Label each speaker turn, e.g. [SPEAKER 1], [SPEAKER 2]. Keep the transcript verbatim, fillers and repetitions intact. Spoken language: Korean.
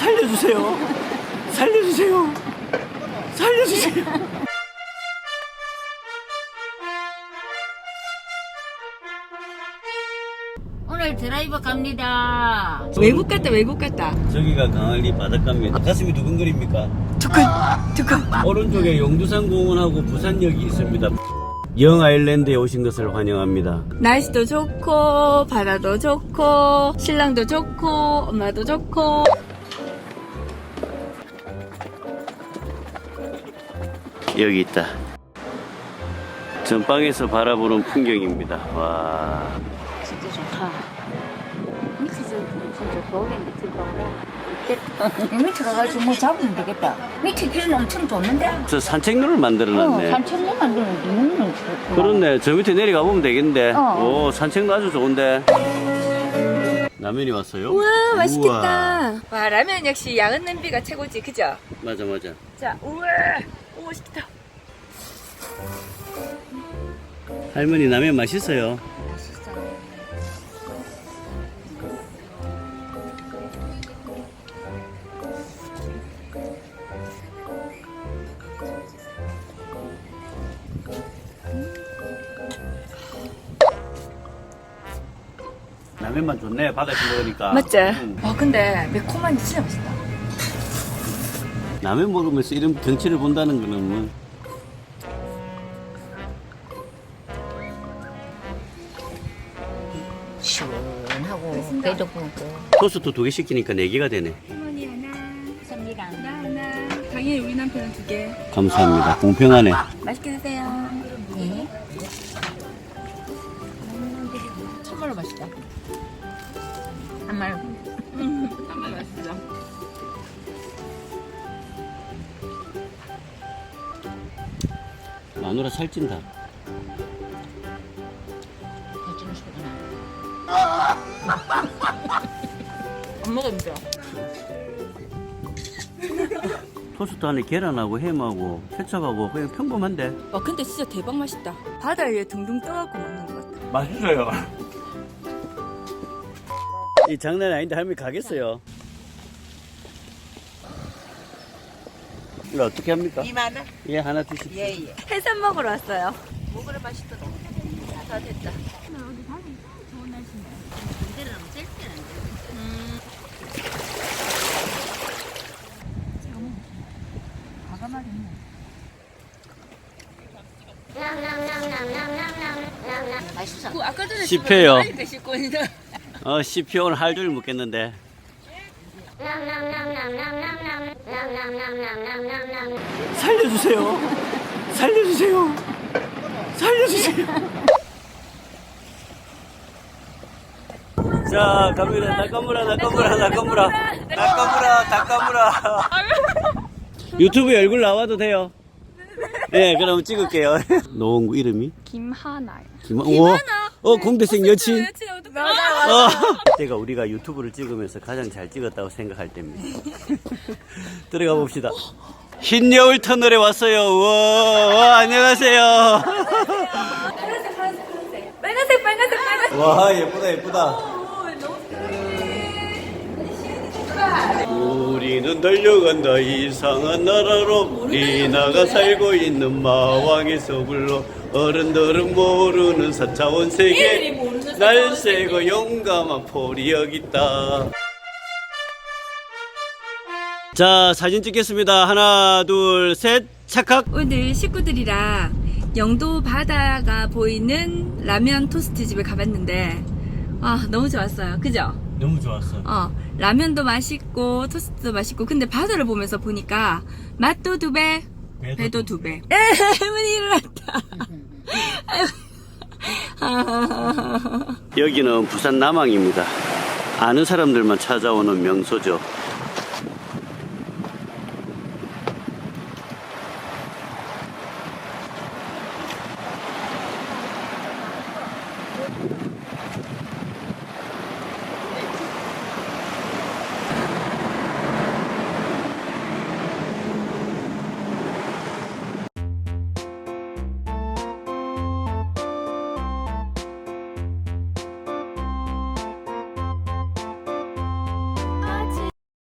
[SPEAKER 1] 살려주세요. 살려주세요. 살려주세요.
[SPEAKER 2] 오늘 드라이버 갑니다.
[SPEAKER 3] 외국 갔다 외국 갔다.
[SPEAKER 1] 저기가 강할리 바닷가입니다. 가슴이 두근거립니까?
[SPEAKER 3] 두근 두근.
[SPEAKER 1] 오른쪽에 용두산 공원하고 부산역이 있습니다. 영 아일랜드에 오신 것을 환영합니다.
[SPEAKER 3] 날씨도 좋고 바다도 좋고 신랑도 좋고 엄마도 좋고.
[SPEAKER 1] 여기 있다. 전방에서 바라보는 풍경입니다. 와.
[SPEAKER 2] 진짜 좋다. 밑에서 진짜 겨울에 밑에 가고 밑에 가가지고 뭐 잡으면 되겠다. 밑에 길은 엄청 좋는데?
[SPEAKER 1] 저 산책로를 만들어놨네.
[SPEAKER 2] 어, 산책로 만드는 이유는 좋구나.
[SPEAKER 1] 그렇네. 저 밑에 내려가 보면 되겠는데.
[SPEAKER 2] 어.
[SPEAKER 1] 오, 산책로 아주 좋은데. 라면이 왔어요?
[SPEAKER 3] 우와 맛있겠다.
[SPEAKER 1] 우와.
[SPEAKER 3] 와 라면 역시 양은 냄비가 최고지 그죠?
[SPEAKER 1] 맞아, 맞아.
[SPEAKER 3] 자 우와 오 맛있겠다.
[SPEAKER 1] 할머니 라면 맛있어요. 라면만 좋네. 바다에서 먹으니까.
[SPEAKER 3] 맞지?
[SPEAKER 1] 응.
[SPEAKER 3] 와 근데 매콤한데 진짜 맛있다.
[SPEAKER 1] 라면 먹으면서 이런 경치를 본다는 거는 뭐.
[SPEAKER 2] 시원하고 배도 부고.
[SPEAKER 1] 토스트 두 개 시키니까 네 개가 되네.
[SPEAKER 3] 할머니 하나,
[SPEAKER 2] 섭니다.
[SPEAKER 3] 나 하나. 당연히 우리 남편은 두 개.
[SPEAKER 1] 감사합니다. 공평하네.
[SPEAKER 3] 맛있게 드세요.
[SPEAKER 2] 예.
[SPEAKER 3] 정말로 맛있다.
[SPEAKER 2] 한말
[SPEAKER 3] 정말 맛있어.
[SPEAKER 1] 마누라 살찐다.
[SPEAKER 2] 해주는 소리나.
[SPEAKER 3] 안 먹으면서.
[SPEAKER 1] 토스트 안에 계란하고 햄하고 케첩하고 그냥 평범한데.
[SPEAKER 3] 와 근데 진짜 대박 맛있다. 바다 위에 둥둥 떠갖고 먹는 것 같아.
[SPEAKER 1] 맛있어요. 이 장난 아닌데 할머니 가겠어요. 이거 어떻게 합니까?
[SPEAKER 2] 이만 원?
[SPEAKER 1] 예, 하나 주십시오.
[SPEAKER 2] 예, 예.
[SPEAKER 3] 해산 먹으러 왔어요. 먹으러 맛있더라. 다 됐다.
[SPEAKER 2] 이제는 셀 때는
[SPEAKER 3] 음.
[SPEAKER 2] 과감하겠네. 맛있어.
[SPEAKER 3] 그 아까 전에
[SPEAKER 1] 씹혀요.
[SPEAKER 3] 많이 드실 거니다.
[SPEAKER 1] 어, 씹혀 오늘 할 줄 묻겠는데. 살려주세요. 살려주세요. 살려주세요. 자, 갑니다. 나까무라, 나까무라, 나까무라. 나까무라, 나까무라. 유튜브에 얼굴 나와도 돼요. 네, 그럼 찍을게요. 노원구 이름이?
[SPEAKER 3] 김하나요.
[SPEAKER 1] 김하, 오, 어, 공대생 여친.
[SPEAKER 3] 맞아
[SPEAKER 1] 어. 그때가 우리가 유튜브를 찍으면서 가장 잘 찍었다고 생각할 때입니다. 들어가 봅시다. 흰 여울 터널에 왔어요. 우와, 와, 안녕하세요.
[SPEAKER 3] 파란색, 파란색, 파란색. 빨간색, 빨간색, 빨간색.
[SPEAKER 1] 와, 예쁘다, 예쁘다. 우리는 달려간다 이상한 나라로 리나가 살고 있는 마왕에서 불러 어른들은 모르는 사차원 세계 날새고 용감한 폴이 여기 있다. 자, 사진 찍겠습니다. 하나 둘 셋 착각.
[SPEAKER 3] 오늘 식구들이랑 영도 바다가 보이는 라면 토스트 집에 가봤는데 아 너무 좋았어요. 그죠?
[SPEAKER 1] 너무 좋았어.
[SPEAKER 3] 어 라면도 맛있고 토스트도 맛있고 근데 바다를 보면서 보니까 맛도 두 배,
[SPEAKER 1] 배도
[SPEAKER 3] 배도
[SPEAKER 1] 두
[SPEAKER 3] 두 배. 에, 할머니 일어났다.
[SPEAKER 1] 여기는 부산 남항입니다. 아는 사람들만 찾아오는 명소죠.